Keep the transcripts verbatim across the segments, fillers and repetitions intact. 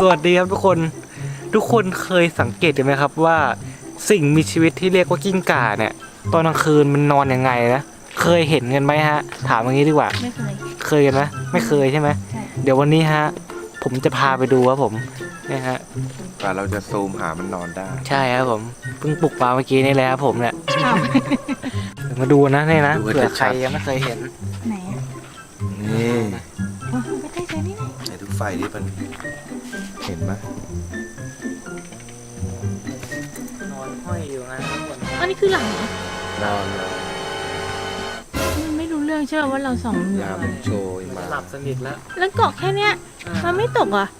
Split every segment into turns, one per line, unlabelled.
วัสดีครับทุกคนทุกคนเคยสังเกตไหมครับว่าสิ่งมีชีวิตที่เรียกว่ากิ้งก่าเนี่ยตอนกลางคืนมันนอนยังไงนะเคยเห็นกันไหมฮะถามอย่างนี้ดีกว่า
ไม่เคย
เคยกันไหมไม่เคยใช่ไหม
ใช่
เดี๋ยววันนี้ฮะผมจะพาไปดูครับผมเนี่ยฮะ
กว่าเราจะซูมหามันนอนได้
ใช่ครับผมเพิ่งปลุกปลาเมื่อกี้นี่แหละครับผมเนี่ยมาดูนะนี่นะเผื่อใครยังไม่เคยเห็น
ไหนอ่ะ
นี่
โอ้ยไม่ได้เจอนี่ไง
ไหนดูไฟดิมันเห็นไหม
นอนห้อยอยู่นะทุกคน
อันนี้คือหลังเหรอน
อนเลย
มันไม่รู้เรื่องใช่ไหมว่าเราส่องอยู่
ยามโชยมา
หลับสนิทแล้ว
แล้วเกาะแค่เนี้ยมันไม่ตกอ่ะ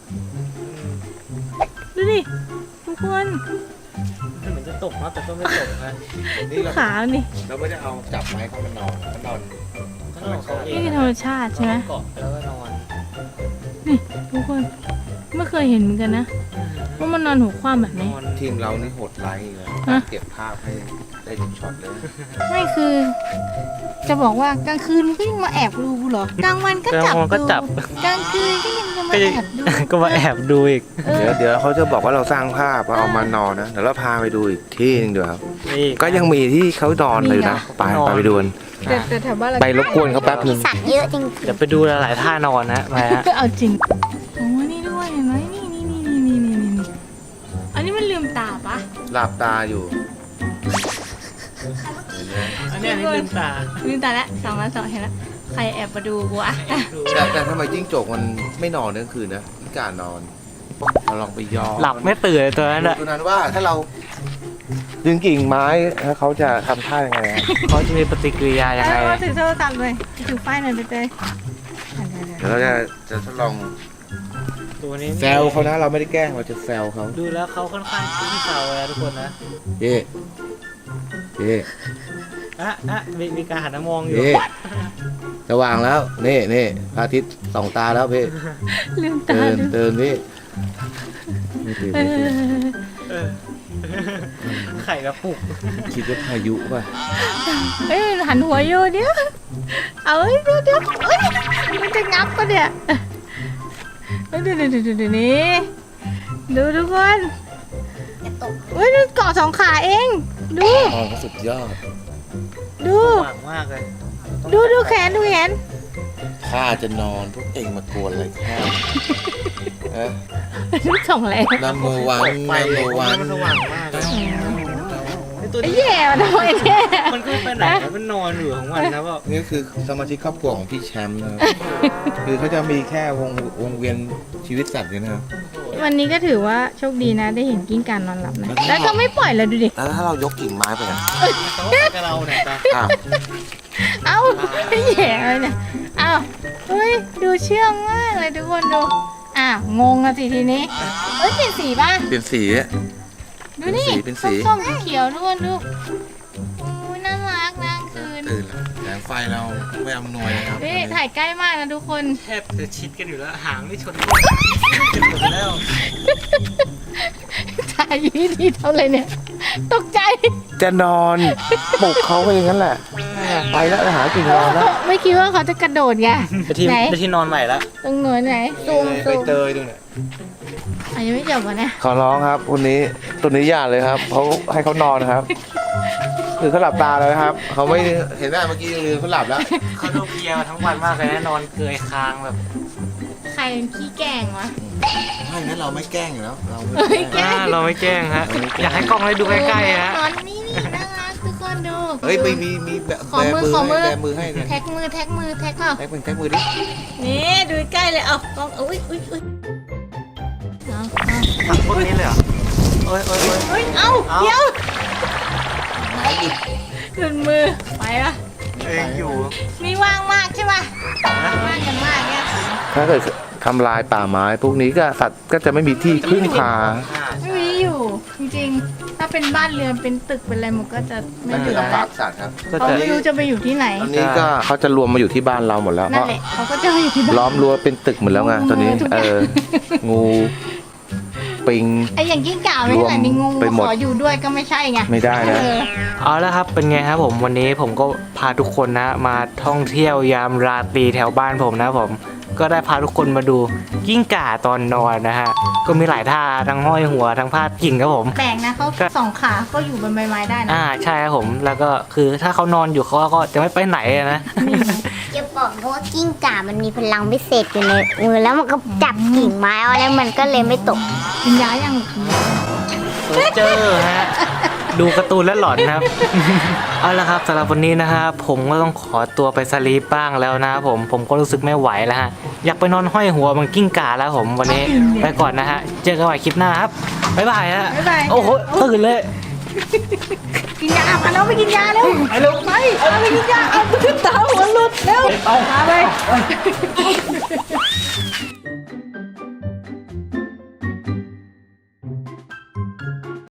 ดูดิทุกคน
เหมือนจะตกนะแต่ก็ไม่ตกนะ
ดูขานี่
เราไม่ได้เอาจับไม้เขามันนอนมันนอน
นี่คือธรรมชาติใช่ไหม
เกาะแล้วก็นอน
นี่ทุกคนไม่เคยเห็นเหมือนกันนะว่ามันนอนหัวคว่ำแบบนี้
ทีมเรานี่โหดไลท์เลย
ฮะ
เก็บภาพให้ได้ทุกช็อตเลย
ไม่คือ จะบอกว่ากลางคืนมันก็ยังมาแอบดูเหรอกลางวันก็จับ
ก็
ดู
จับ
กลางคืนก็ยังจะมาแอบดู
ก็มาแอบดูอีก
เออ
เดี๋ยวเดี๋ยวเขาจะบอกว่าเราสร้างภาพว่าเอามานอนนะเดี๋ยวเราพาไปดูอีกที่นึงเดี๋ยวครับ
นี่
ก็ยังมีที่เขานอนเลยนะไปไปไปดูกัน
แต่แต่แถวบ้านเรา
ไปรบกวนเขาแป๊บนึง
สัตว์เยอะจริง
เดี๋ยวไปดูหลายๆท่านอนนะมาฮะ
เอาจริงโอ้นี่ด้วยเห็นไหมนี่นี่นี่นี่นี่นี่นี่อันนี้มันลืมตาปะ
หลับตาอยู่เห็นไหม
อันนี้นี่ลืมตา
ลืมตาแล้วสองแล้วสองเห็นแล้วใครแอบมาดูกูอะ
แต่แต่ทำไมจิ้งจกมันไม่นอนกลางคืนนะพิการนอนเราลองไปย่อ
หลับไม่ตื่นเลยตัวนั้นอะ
ตัวนั้นว่าถ้าเราดึงกิ่งไม้แล้วเขาจะทำท่ายังไงอะ
เขาจะมีปฏิกิริยายังไง
เออถือโทรศัพท์เลยถือไฟหน่อยไปเตย
เดี๋ยวเราจะจะทดลอง
ตัวนี้
แซวเขานะเราไม่ได้แกล้งเราจะแซวเขา
ดูแล้วเขาค่อนข้างขี้เศร้าเลยนะทุกคนนะ
เย่เย่
อ่ะอ่ะมีมีการหันมามองอยู่
เย่สว่างแล้วนี่นี่พระอาทิตย์สองตาแล้วพี่
ลืมตา
เตือน
ดู
เตือนพี่ไม่ตื่น
เอ
ไม่ตื่น
อ
เออไข่กระปุก
คิดว่าพายุป่ะ
เอ้ยหันหัวอยู่เดี๋ยวเอาเอ้ยเดี๋ยวเดี๋ยวเอ้ยมันจะงับปะเนี่ยเอ้ยดูดูดูดูดูนี่ดูทุกคนเฮ้ยดูเกาะสองขาเองดู
อ๋อสุดยอด
ดู
หวังมากเลย
ดูดูแขนดูแขน
ข้าจะนอนพวกเองมากวนอะไรข้าเอ๊ะ
ดูสองแรง
นัมเบอร์วันนัมเบอร์วัน
มันสว่างมากเลยไอ้ตัว
ไอ้
นี้
แย่มันทำไมเนี่ย
มันก็ไปไหนนะมันนอนอยู่ของมันนะว่า
นี่คือสมาชิกครอบครัวของพี่แชมป์นะครับคือเขาจะมีแค่วงวงเวียนชีวิตสัตว์เนี่ยนะครับ
วันนี้ก็ถือว่าโชคดีนะได้เห็นกิ้งก่านอนหลับนะแล้วก็ไม่ปล่อยเราดูดิ
แล้วถ้าเรายกกิ่งไม้ไปนะ
เขากับเราเนี่ยตา
อ้าว
เอ้าแย่เลยเนี่ยเอ้าเฮ้ยดูเชื่องมากเลยทุกคนดูอ้าวงงอะสิทีนี้เอ้ยเปลี่ยนสีป่ะ
เปลี่ยนสีอะ
ดูนี่
เป็นสี
ส้มๆเขียวๆทุกคนดูโอ้ยน่ารักนะคืน
ตื่นแล้วแสงไฟเราไม่อำนวยนะครับ
นี่ถ่ายใกล้มากนะทุกคน
แทบจะชิดกันอยู่แล้วหางไม่ชนกันหมดแล้ว
ถ่ายอยู่ที่เท่าไรเนี่ยตกใจ
จะนอนปลุกเขาไปอย่างนั้นแหละไปแล้วหากิ่งนอนแล้ว
ไม่คิดว่าเขาจะกระโดดไง
ไปที่
ไหน
ไปที่นอนใหม่ละ
ตรงหนูไหนซูม
ไป
ซูม
เตยดูเนี่ย
อ่ะยังไม่จบวะเนี่ย
ขอร้องครับคนนี้ตัวนี้อย่าเลยครับเขาให้เขานอนครับคือเขาหลับตาเลยครับเขาไม่เห็นหน้าเมื่อกี้ลืมเขาหลับแล้ว
เขาดูเพลียมาทั้งวันมากเลยนะนอนเกยคางแบบ
ใครเป็นขี้แกล้งวะ
ถ้าอย่างนั้นเราไม่แกล้งอยู่แล้วเรา
ไม่แกล้
อ่าง เราไม่แกล้งฮะอยากให้กล้องได้ดูใกล้ๆฮะ
นอนนี่นี่น่ารักทุกคนดู
เฮ้ยไม่มีมีแบบ
ขอมือขอมือ
แบมือให้เนี่ย
แท็กมือแท็กมือแท็กเปล่า
แท็กมือแท็กมือดิ
นี่ดูใกล้เลยเอากล้องอุ้ยอุ้ยอุ้ยเอาเอา
ถังพวกนี้เลยเหรอโอ้ยโอ้ยโอ้ย
เฮ้ยเอา
เอา
เดี๋ยวหลุดมือไปปะ
เองอยู่
มีว่างมากใช่ปะว่างกันมากเนี่ย
ถ้าเกิดทำลายป่าไม้พวกนี้ก็สัตว์ก็จะไม่มีที่พึ่งพา
ไม่มีอยู่จริงๆถ้าเป็นบ้านเรือนเป็นตึกเป็นอะไรมันก็จะไม่เหลือ
ลำ
แล้
บาว กสัตว์ครับ
ก็
เขา
จะ
ไม่รู้จะไปอยู่ที่ไหน
ตอนนี้ก็เขาจะรวมมาอยู่ที่บ้านเราหมดแล้วเพ
นั่น
ราะ
แหละเขาก็จะไปอยู่ที่บ้าน
ล้อมรั้วเป็นตึกหมดแล้วไงตอนนี้
งู
เอองูปิง
ไอ้อย่างกิ้งก่าไม่เท่าไหร่นี่งู
ไปหมด
ขออยู่ด้วยก็ไม่ใช่ไง
ไม่ได้นะ
เออ
เอาละครับเป็นไงครับผมวันนี้ผมก็พาทุกคนนะมาท่องเที่ยวยามราตรีแถวบ้านผมนะผมก็ได้พาทุกคนมาดูกิ้งก่าตอนนอนนะฮะก็มีหลายท่าทั้งห้อยหัวทั้งพาดกิ่งครับผม
แปลกนะเขาสองขาก็อยู่บนใบไม้ได้นะ
อ่าใช่ครับผมแล้วก็คือถ้าเขานอนอยู่เขาก็จะไม่ไปไหนอะนะ
จะบอกนะว่ากิ้งก่ามันมีพลังพิเศษอยู่ในมือแล้วมันก็จับกิ่งไม้เอาแล้วมันก็เลยไม่ตก
กินยายัง
เจอฮะดูการ์ตูนแล้วหลอนนะครับ เอาละครับสำหรับวันนี้นะฮะผมก็ต้องขอตัวไปสลีปบ้างแล้วนะผมผมก็รู้สึกไม่ไหวแล้วฮะอยากไปนอนห้อยหัวมันกิ้งก่าแล้วผมวันนี้ไปก่อนนะฮะเจอกันใหม่คลิปหน้าครับบ๊ายบายฮะ
บ๊ายบาย
โอ้โหตื่นเลย
กินยาพาน้องไปกินยาเร็วไปเร็วไปเอาไปกินยาเอาขึ้นตาหัวหลุดเร็วพาไป